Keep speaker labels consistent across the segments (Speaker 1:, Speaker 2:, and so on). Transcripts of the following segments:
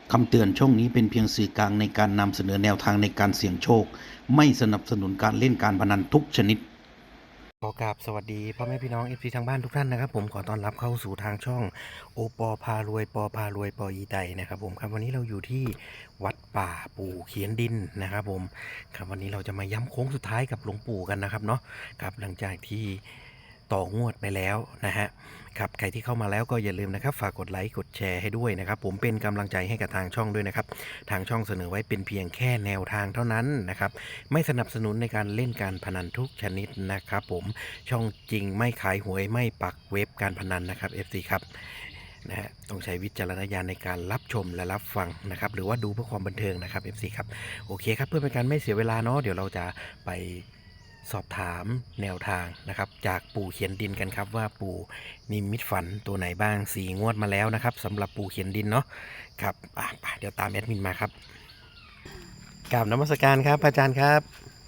Speaker 1: คำเตือนช่องนี้เป็นเพียงสื่อกลางในการนำเสนอแนวทางในการเสี่ยงโชคไม่สนับสนุนการเล่นการพนันทุกชนิดขอกราบสวัสดีพ่อแม่พี่น้องเอฟซีทางบ้านทุกท่านนะครับผมขอต้อนรับเข้าสู่ทางช่องโอปอพารวยปอพารวยปออีไตนะครับผมครับวันนี้เราอยู่ที่วัดป่าปู่เขียนดินนะครับผมครับวันนี้เราจะมาย้ำโค้งสุดท้ายกับหลวงปู่กันนะครับเนาะครับหลังจากที่ต่องวดไปแล้วนะฮะครับใครที่เข้ามาแล้วก็อย่าลืมนะครับฝากกดไลค์กดแชร์ให้ด้วยนะครับผมเป็นกำลังใจให้กับทางช่องด้วยนะครับทางช่องเสนอไว้เป็นเพียงแค่แนวทางเท่านั้นนะครับไม่สนับสนุนในการเล่นการพนันทุกชนิดนะครับผมช่องจริงไม่ขายหวยไม่ปักเว็บการพนันนะครับ FC ครับนะฮะต้องใช้วิจารณญาณในการรับชมและรับฟังนะครับหรือว่าดูเพื่อความบันเทิงนะครับ FC ครับโอเคครับเพื่อเป็นการไม่เสียเวลาเนาะเดี๋ยวเราจะไปสอบถามแนวทางนะครับจากปู่เขียนดินกันครับว่าปู่นิมิตฝันตัวไหนบ้าง4 งวดมาแล้วนะครับสำหรับปู่เขียนดินเนาะครับเดี๋ยวตามแอดมินมาครับกราบนมัสการครับอาจารย์ครับ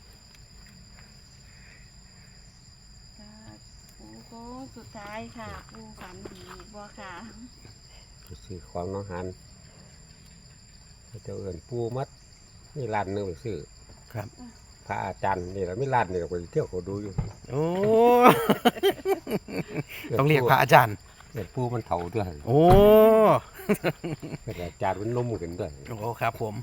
Speaker 2: ค่ะปูโค้งสุดท้ายค่ะปูฝันดีบ่ค่ะ
Speaker 3: ซื้อของน้องหันเจ้าเอิญปูมัดนี่ร้านหนึงไปซื้อ
Speaker 1: ครับ
Speaker 3: พระอาจารย์นี่แหละไม่ร้านนี่ไปเที่ยวเขาดูอยู่
Speaker 1: โอ้ ต้องเรียกพระอาจารย์
Speaker 3: เอิญปูมันเถ่าด้วย
Speaker 1: โอ้
Speaker 3: เอิ้นอาจารย์มันนมขึ้นด้วย
Speaker 1: โอ้ครับผม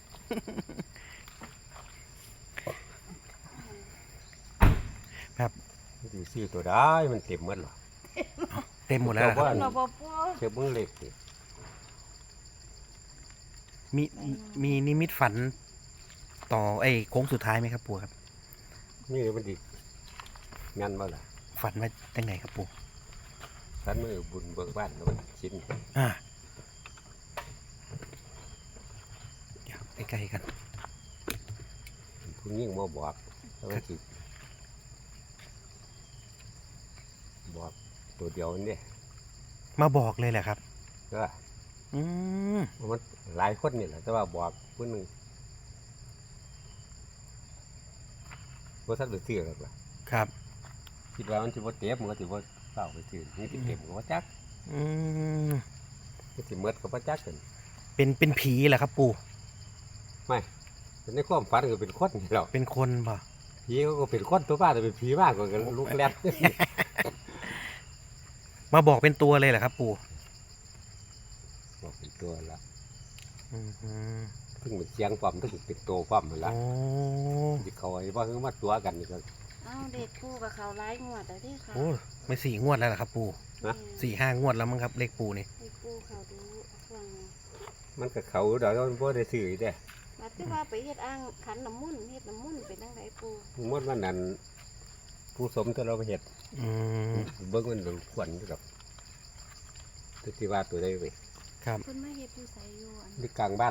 Speaker 1: ครับ
Speaker 3: สิซื้อตัวได้มันเต็มหมดหรอ
Speaker 1: เต็มหมดแล้วนะครับ
Speaker 2: เราบ่ปู
Speaker 3: เชื่อมึงเล็กสิ
Speaker 1: มีมีนิมิตฝันต่อโค้งสุดท้ายไหมครับปู่ครับ
Speaker 3: นี่มันดีงานบ่ล่ะ
Speaker 1: ฝันว่าจังไหนครับปู่
Speaker 3: ท่านมือบุญเบิกบ้านแล้วมันชิ้น
Speaker 1: อ่าเดี๋ยวใกล้ๆกัน
Speaker 3: ผู้ยิ่งมาบอกแล้วมันสิบอกตัวเดียวนี่
Speaker 1: มาบอกเลยแหละครับ
Speaker 3: ก็
Speaker 1: อืม
Speaker 3: มันหลายคนนี่แหละแต่ว่าบอกผู้หนึงว่าท่านไปซื้อหรอกล่ะ
Speaker 1: ครับ
Speaker 3: คิดว่ามันสิบ่เต็มมันก็สิบ่เฝ้าไปซื้อนี่สิเต็มก็บ่จัก
Speaker 1: อืม
Speaker 3: มันสิหมดก็บ่จักกัน
Speaker 1: เป็นผีเหรอครับปู่
Speaker 3: ไม่เป็นในความฝันก็เป็นคนนี่แหล้ว
Speaker 1: เป็นคนป่ะ
Speaker 3: ผีเขาก็เป็นคนตัวบ้านแต่เป็นผีมากกว่ากันลูกแรก
Speaker 1: มาบอกเป็นตัวเลยเหรอครับปู่
Speaker 3: บอกเป็นตัวละ
Speaker 1: อืม
Speaker 3: ถึงเป็นเสียงความถึงเป็นตัวความนั่น
Speaker 1: โอ้
Speaker 3: ละสิเขาไอ้ว่าคือมาตัวกันนี่ก็
Speaker 2: เอ้าเด็กปูกับเขาไล่งวดแต่ที่ค่ะ
Speaker 1: โอ้ไม่4 งวดแล้วเหรอครับปู่ 4-5 งวดแล้วมั้งครับเลขปู่นี่
Speaker 2: เด็กปูเขาดูฟัง
Speaker 3: มันก็เขาเดี๋ยวมันบ่ได้ซื้อเด้
Speaker 2: มาที่ว่าไปเฮ็ดอ่างขันน้ำมุ่นต์เฮ็ดน้ำมุ่นต์เป็นจังไดปู
Speaker 3: หมดวันนั้นผู้สมที่เราไปเฮ็ด
Speaker 1: อืม
Speaker 3: เบิ่งมันควรอยู่กับที่ว่าตัวได้ไป
Speaker 1: ครับ
Speaker 2: เพิ่นมาเฮ็ดอยู่ไสอยู่อัน
Speaker 3: ที่กลางบ้าน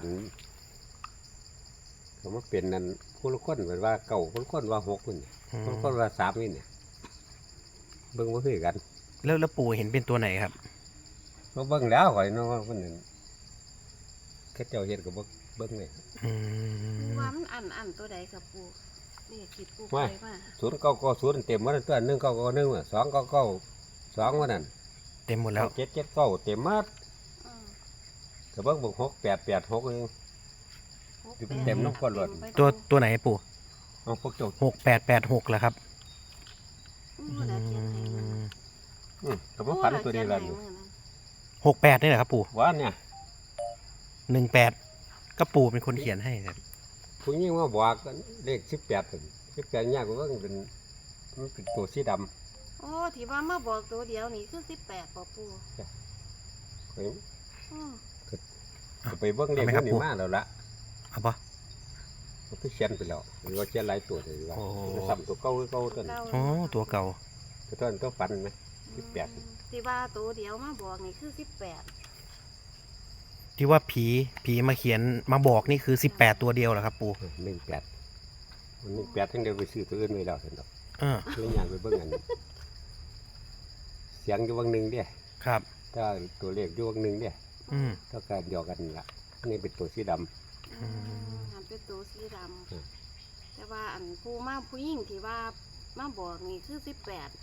Speaker 3: เขามาเป็นนั่นผู้ละคนเหมือนว่าเก่าผู้ละคนว่า6นี่ผู้ละคนว่า3นี่เนี่ยเบิ่งบ่คือกัน
Speaker 1: แล้วปู่เห็นเป็นตัวไหนครับ
Speaker 3: ก็เบิ่งแล้วข่อยเนาะว่าเพิ่นนั่นเขาเจ้าเฮ็ดก็บ่เบิ่งเลย
Speaker 1: อื
Speaker 2: ปู
Speaker 1: ม
Speaker 2: ว่ามันอันตัวใดกับปูนี่คิดปูไปว่า
Speaker 3: 0990เต็มหมดแล้วตัว1991อ่ะ2992ว่านั่น
Speaker 1: เต็มหมดแล้ว
Speaker 3: 779เต็มหมด
Speaker 2: อือ
Speaker 3: ก็เบิ่ง6886นึง เต็มน้ำก้นหลอด
Speaker 1: ตัวไหนปู่
Speaker 3: เอาพวกเจ้า
Speaker 1: 6886เหรอครับ
Speaker 2: อือแล้วเขียนให้มัน
Speaker 3: ก็บ่ฝันตัวนี้ล่ะนี่
Speaker 1: 68นี่แหละครับปู่
Speaker 3: ว่าเนี่ย
Speaker 1: 18ก็ปู่เป็นคนเขียนให้ครับ
Speaker 3: ผู้หญิงมาบอกกันเลข18นั่น18ยากกว่ามันเป็นตัวสีดำ
Speaker 2: โอ้ที่ว่ามาบอกตัวเดียวนี่คือ18บ่ปู
Speaker 3: ข่อย
Speaker 2: อือ
Speaker 3: ก็ไปเบิ่งเลขมันนี่มาแล้วล่ะ
Speaker 1: เอาปะ
Speaker 3: มันคือเขียนไปแล้วหรือว่าเขียนหลายตัวเลยว่า
Speaker 1: โอ้
Speaker 3: ซ้ำตัวเก่าคือเก่าตัวนั้น
Speaker 1: โอ้ตัวเก่า
Speaker 3: ตัวนั้นตัวฝันไหม18
Speaker 2: ที่ว่าตัวเดียวมาบอกนี่คือ18
Speaker 1: ที่ว่าผีมาเขียนมาบอกนี่คือ18ตัวเดียวเหรอครับปู่
Speaker 3: 18มัน18ทั้งเดียวไปซื้อตัวอื่นไว้แล้วซั่นดอก
Speaker 1: เออ
Speaker 3: เลยอยากไปเบิ่งอันเสียงอยู่วังหนึงเด้
Speaker 1: ครับ
Speaker 3: ถ้าตัวเลขอยู่วังหนึงเด้
Speaker 1: อืม
Speaker 3: เท่ากันเดียวกันล่ะอันนี้เป็นตัวสีดำ
Speaker 1: ม
Speaker 2: ทำเป็นตัวสีด
Speaker 3: อืม
Speaker 2: ำแต่ว่าอันผู้หญิงที่ว่ามาบอกนี่คือ18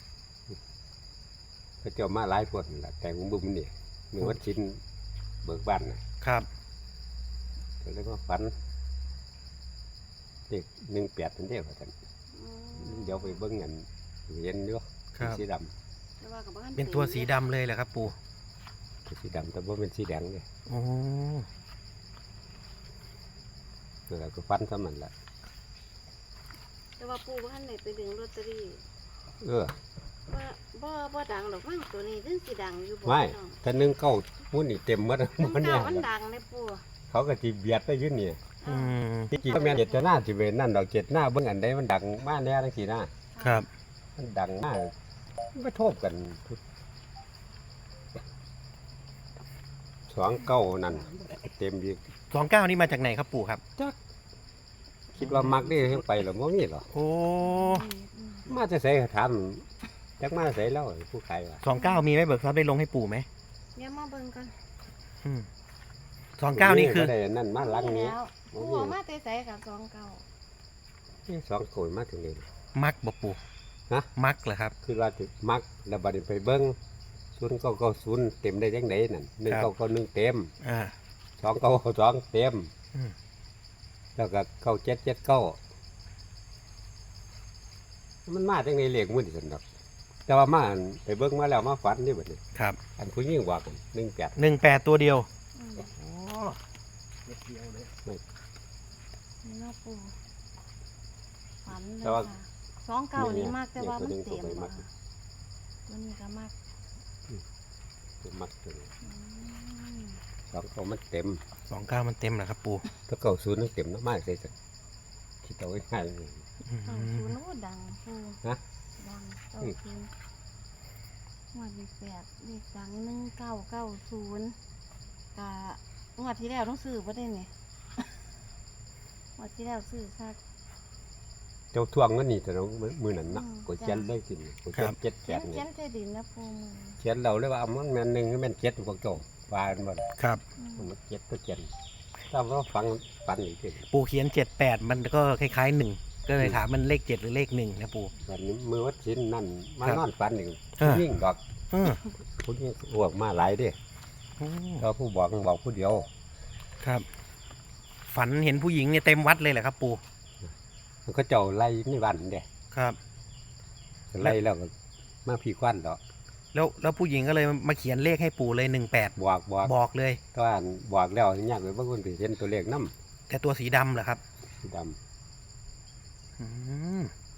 Speaker 3: เขาเจ้ามาหลายคนล่ะแต่งบุ้มนี่มีวัดชินเบิกบ้านน่ะ
Speaker 1: ครับ
Speaker 3: ก็เลยมาฝันเด็ก18นั่นเด้อว่าซั่น
Speaker 2: อืม
Speaker 3: เดี๋ยวไปเบิ่งกันเห็นอยู่
Speaker 1: ครับ
Speaker 3: สีด
Speaker 2: แต่ว่ากับบ้าน
Speaker 1: เป็นตัวสีดำเลยแหละครับปู่
Speaker 3: ำสีดำแต่ว่าเป็นสีแดงเลย
Speaker 1: โอ้
Speaker 3: แล้วก็ฟันซ้ำมันละ
Speaker 2: แต่ว่าปู่บ้านไหนไปดึงลอตเตอรี่
Speaker 3: เออ
Speaker 2: บ่ดังหรอกมั้งตัวนี้ถึงสิดังอยู่บ่
Speaker 3: ไม่
Speaker 2: น้อง
Speaker 3: ถ้า1 9มุ่นนี่เต็มหมด
Speaker 2: มัน
Speaker 3: มัน
Speaker 2: เก่า
Speaker 3: เนี่ย
Speaker 2: มันดังเลยปู่
Speaker 3: เขาก็สิเบียดไปอยู่นี่
Speaker 1: อืม
Speaker 3: ที่จริงก็แม่นเจตนาสิเว้นนั่นดอกเจตนาเบิ่งอันใดมันดังมาแน่จังซี่นะครับ มันดังมากมันไปโทบกัน29นั่นเต็มอีก
Speaker 1: 29นี่มาจากไหนครับปู่ครับ
Speaker 3: จักคิดว่ามักได้ไปหรอบ่มีหรอ
Speaker 1: โอ้
Speaker 3: มาจะใส่ถามจักมาใส่แล้วผู้ขายว่า
Speaker 1: 29มีไหมเบิกทรัพย์ได้ลงให้ปู่ไหม
Speaker 2: เดี๋ยวมาเบิ่งกัน
Speaker 1: อืม29นี่คือ
Speaker 3: บ่ได้นั่นมาหลังนี้
Speaker 2: แล้ว
Speaker 3: บ่
Speaker 2: ปู่
Speaker 3: มี
Speaker 2: เอามาแต่ไสกับ29
Speaker 3: นี่2โกยมาถึงนี่
Speaker 1: มักบ่ปู่
Speaker 3: ฮะ
Speaker 1: มักเหรอครับ
Speaker 3: คือว่าสิมักแล้วบัดนี้ไปเบิ่ง0990เต็มได้จังไดนั่น1991เต็ม
Speaker 1: อ่า
Speaker 3: 2992เต็ม
Speaker 1: อืม
Speaker 3: แล้วก็9779มันมาจังไดเลขมื้อนี่ซั่นดอกแต่ว่ามาอันไปเบิ่งมาแล้วมาฝันนี่บัดนี้
Speaker 1: ครับ
Speaker 3: อันผู้หญิงว่ากัน18
Speaker 1: 18ตัวเดียว
Speaker 2: อืม
Speaker 1: โอ้เม็ดเดียวเลย
Speaker 2: นี่เนาะปู่ฝันเลย
Speaker 3: แต่ว่า
Speaker 2: ค่ะ29นี่มากแต่ว่ามันเต็ม
Speaker 3: ตัวนี้ก็ไปมั
Speaker 2: ว่ะ
Speaker 3: ก
Speaker 2: ตัวนี้ก็มาก
Speaker 3: มักตัวนี้
Speaker 2: อืม
Speaker 3: 29มันเต็ม
Speaker 1: 29มันเต็มเหรอครับปู่
Speaker 3: ถ้าเก่าศูนย์นั่นเต็มน้ำมากเลยสิคิดเอาง่ายๆเลย
Speaker 1: อื
Speaker 2: เก้าศู
Speaker 1: ม
Speaker 2: นย์โอ้ดังปู่
Speaker 3: นะ
Speaker 2: ดังเก้าศูนย์งวดที่8เลขดัง1990กะงวดที่แล้วต้องซื้อบ่ได้เนี่ย งวดที่แล้วซื้อค่ะ
Speaker 3: เจ้าทวงเงินนี่แต่เรามือนั้นนะ
Speaker 2: อืม
Speaker 3: กดเจ็ดได้สิกดเจ็ดเจ็ดแป
Speaker 2: เขีย
Speaker 3: ด
Speaker 2: น
Speaker 3: เนี่
Speaker 2: เขีย
Speaker 3: ย
Speaker 2: นใส่ดินนะปู่มือ
Speaker 3: เขียนเราเลยว่าเอามันแม่นหนึ่งแม่นเจ็ดพวกเจ้าฟานหมด
Speaker 1: ครับ
Speaker 2: อืม
Speaker 3: มันเจ็ดก็เจ็ดถ้าเราฟังปันอีกที
Speaker 1: ปู่เขียน78มันก็คล้ายๆ1ก็เลยถามมันเลข7หรือเลข1นะปู่
Speaker 3: วันนี้มือวัดชิ้นนั่นมา
Speaker 1: ครับ
Speaker 3: นอนปันอีก
Speaker 1: เออ
Speaker 3: ยิ่งดอก
Speaker 1: เออ
Speaker 3: ผู้ยิ่งอ้วกมาหลายเดิ
Speaker 1: โอ้
Speaker 3: เราผู้บอกผู้เดียว
Speaker 1: ครับ ฝันเห็นผู้หญิงเนี่ยเต็มวัดเลยเหรอครับปู่
Speaker 3: มันก็เจ้าไล่ในบ้านเด้
Speaker 1: ครับ
Speaker 3: ไล่แล้วก็มาพี่ควันดอก
Speaker 1: แล้วผู้หญิงก็เลยมาเขียนเลขให้ปู่เลย18
Speaker 3: บอก
Speaker 1: บอกเลย
Speaker 3: ตอนบอกแล้วยากเลยบางคนไปเห็นตัวเลขน้
Speaker 1: แต่ตัวสีดำเหรอครับ
Speaker 3: ำสีด
Speaker 1: อืม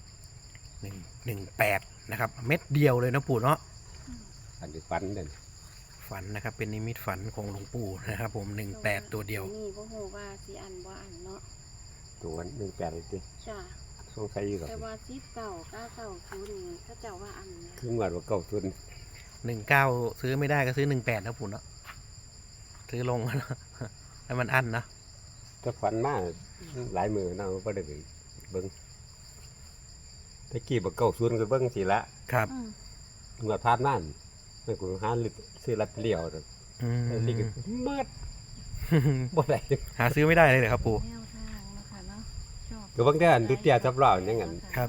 Speaker 1: 118นะครับ เม็ดเดียวเลยนะปู่เนาะ
Speaker 3: ำอันนี้ฟันเด่น
Speaker 1: ฝันนะครับ เป็นนิมิตฝันของหลวงปู่นะครับ ผม18ตัวเดียว
Speaker 2: นี่บ่ฮู้ว่าสิอันบ่อันเนาะ
Speaker 3: ตัว18เลยสิ
Speaker 2: จ้า
Speaker 3: สงสัยอยู่หรอก
Speaker 2: แต่ว่า1990นี่เขาเจ้าว่าอันนะ
Speaker 3: คือเมื่อว่าเก่าทุน
Speaker 1: 19ซื้อไม่ได้ก็ซื้อ18นะปู่เนาะซื้อลง แล้วมันอั้นนะ
Speaker 3: ถ้าฟันมาหลายมือเนาะก็ได้ไปเบิ้งตะกี้บอกเก่าทุนก็เบิ้งสิละ
Speaker 1: ครับ
Speaker 2: อืม
Speaker 3: เมื่อพานนั่นไม่กูหาซื้อลัดเลี้ยวดอก
Speaker 1: อืม
Speaker 3: ลิกเมื่อบ่ได้
Speaker 1: หาซื้อไม่ได้เลยเหรอครับปู่
Speaker 2: แนวทางเนาะค่ะเนาะชอบ
Speaker 3: ก็บางทีอันดุเตียทับรอบอย่างนั้น
Speaker 1: ครับ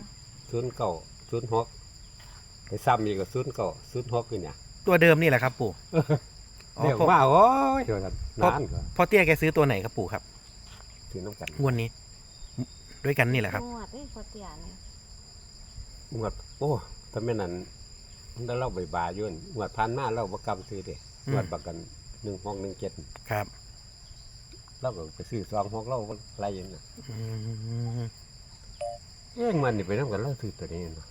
Speaker 3: 09 06ไปซ้ำอีกก็09 06อยู่เนี่ย
Speaker 1: ตัวเดิมนี่แหละครับปู่อ๋อ
Speaker 3: เรียก
Speaker 1: พ่อ
Speaker 3: ว่าโอ้ยว่าซั่นนานก็
Speaker 1: พ่อเตี้ยแกซื้อตัวไหนครับปู่ครับ
Speaker 3: ซื้อน้ำกัน
Speaker 1: งวดนี้ ด้วยกันนี่แหละครับ
Speaker 2: งวดเอ้ยพอเตียเนี่ย
Speaker 3: งวดโอ้ถ้าแม่นนั้นแล้วเราใบบาอยู่นั่นงวดผ่านมาเราบ่กล้าซื้อเด้
Speaker 1: อืม
Speaker 3: งวดประกัน1617
Speaker 1: ครับ
Speaker 3: เราก็ไปซื้อ26เราอะไรอย่างนั้น
Speaker 1: อืม
Speaker 3: มันนี่ไปนำกันเราซื้อตัวนี้เนาะ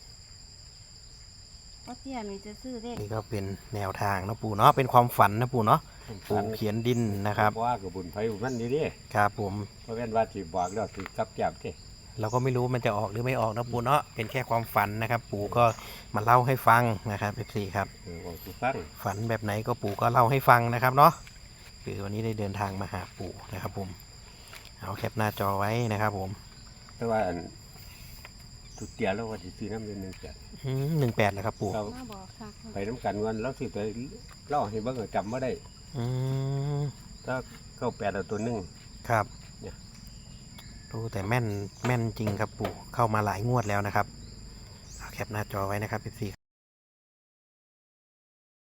Speaker 2: พอเตียนี่จะซื้อเลข
Speaker 1: นี่ก็เป็นแนวทางนะปู่เนาะเป็นความฝันนะปู่เนาะปู่เขียนดินนะครับ
Speaker 3: ว่าก็บุญไผบุญมันนี่เด้
Speaker 1: ครับผม
Speaker 3: เพราะแม่นว่าสิบอกแล้วสิกลับแก้มเด้
Speaker 1: เราก็ไม่รู้มันจะออกหรือไม่ออกนะปู่เนาะเป็นแค่ความฝันนะครับ ปู่ก็มาเล่าให้ฟังนะครับเอฟซีครับ
Speaker 3: บอกสิฟัง
Speaker 1: ฝันแบบไหนก็ปู่ก็เล่าให้ฟังนะครับเนาะคือวันนี้ได้เดินทางมาหาปู่นะครับผมเอาแคปหน้าจอไว้นะครับผม
Speaker 3: แต่ว่าอันทุกเตียแล้วว่าสิซื้อน้ำเดือน1จ้ะ
Speaker 1: 18แล้วครับปู่
Speaker 3: เรา
Speaker 2: มาบอกคัก
Speaker 3: ไปน้ำกันวันเราซื้อตัวเล่าให้เบิ่งก็จำบ่ได้
Speaker 1: อืม
Speaker 3: ถ้า98เอาตัวหนึง
Speaker 1: ครับ
Speaker 3: เนี่ย
Speaker 1: ดูแต่แม่นจริงครับปู่เข้ามาหลายงวดแล้วนะครับเอาแคปหน้าจอไว้นะครับ14